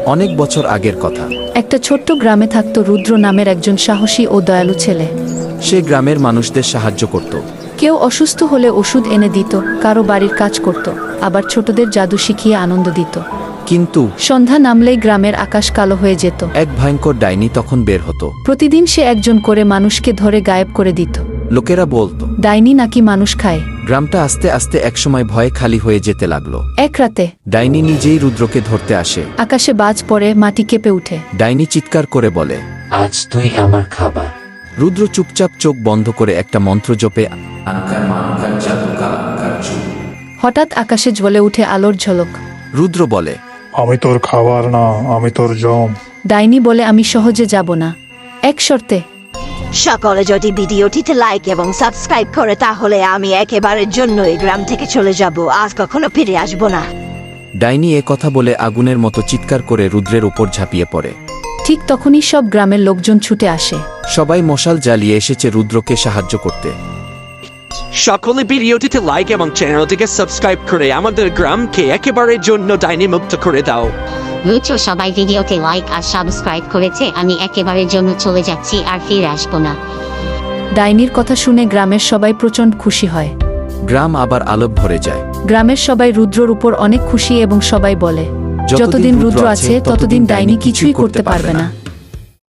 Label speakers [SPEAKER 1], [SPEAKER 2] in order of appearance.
[SPEAKER 1] অনেক বছর আগের কথা।
[SPEAKER 2] একটা ছোট্ট গ্রামে থাকত রুদ্র নামের একজন সাহসী ও দয়ালু ছেলে।
[SPEAKER 1] সে গ্রামের মানুষদের সাহায্য করত।
[SPEAKER 2] কেউ অসুস্থ হলে ওষুধ এনে দিত, কারো বাড়ির কাজ করত, আবার ছোটদের জাদু শিখিয়ে আনন্দ দিত।
[SPEAKER 1] কিন্তু
[SPEAKER 2] সন্ধ্যা নামলেই গ্রামের আকাশ কালো হয়ে যেত।
[SPEAKER 1] এক ভয়ঙ্কর ডাইনি তখন বের হতো।
[SPEAKER 2] প্রতিদিন সে একজন করে মানুষকে ধরে গায়েব করে দিত।
[SPEAKER 1] লোকেরা বলতো
[SPEAKER 2] ডাইনি নাকি মানুষ খায়।
[SPEAKER 1] গ্রামটা আস্তে আস্তে একসময় ভয়ে খালি হয়ে যেতে লাগলো।
[SPEAKER 2] এক রাতে
[SPEAKER 1] ডাইনি নিজেই রুদ্রকে ধরতে আসে।
[SPEAKER 2] আকাশে বাজ পড়ে, মাটি কেঁপে উঠে।
[SPEAKER 1] ডাইনি চিৎকার করে বলে,
[SPEAKER 3] আজ তুই আমার খাবার।
[SPEAKER 1] রুদ্র চুপচাপ চোখ বন্ধ করে একটা মন্ত্র জপে।
[SPEAKER 2] হঠাৎ আকাশে জ্বলে উঠে আলোর ঝলক।
[SPEAKER 1] রুদ্র বলে,
[SPEAKER 4] আমি তোর খাবার না, আমি তোর জম।
[SPEAKER 2] ডাইনি বলে, আমি সহজে যাব না, এক শর্তে।
[SPEAKER 5] সকলে যদি ভিডিওটিতে লাইক এবং সাবস্ক্রাইব করে, তাহলে আমি একেবারের জন্য এই গ্রাম থেকে চলে যাব, আজ কখনো ফিরে আসবো না।
[SPEAKER 1] ডাইনি এ কথা বলে আগুনের মতো চিৎকার করে রুদ্রের উপর ঝাঁপিয়ে পড়ে।
[SPEAKER 2] ঠিক তখনই সব গ্রামের লোকজন ছুটে আসে।
[SPEAKER 1] সবাই মশাল জ্বালিয়ে এসেছে রুদ্রকে সাহায্য করতে।
[SPEAKER 6] সকলে ভিডিওটিতে লাইক এবং চ্যানেলটিকে সাবস্ক্রাইব করে আমাদের গ্রামকে একেবারের জন্য ডাইনি মুক্ত করে দাও।
[SPEAKER 7] রুদ্র সবাই ভিডিওতে লাইক আর সাবস্ক্রাইব করেছে, আমি একেবারের জন্য চলে যাচ্ছি, আর ফিরে আসবো না।
[SPEAKER 2] ডাইনির কথা শুনে গ্রামের সবাই প্রচণ্ড খুশি হয়।
[SPEAKER 1] গ্রাম আবার আলো ভরে যায়।
[SPEAKER 2] গ্রামের সবাই রুদ্রর উপর অনেক খুশি এবং সবাই বলে, যতদিন রুদ্র আছে ততদিন ডাইনি কিছুই করতে পারবে না।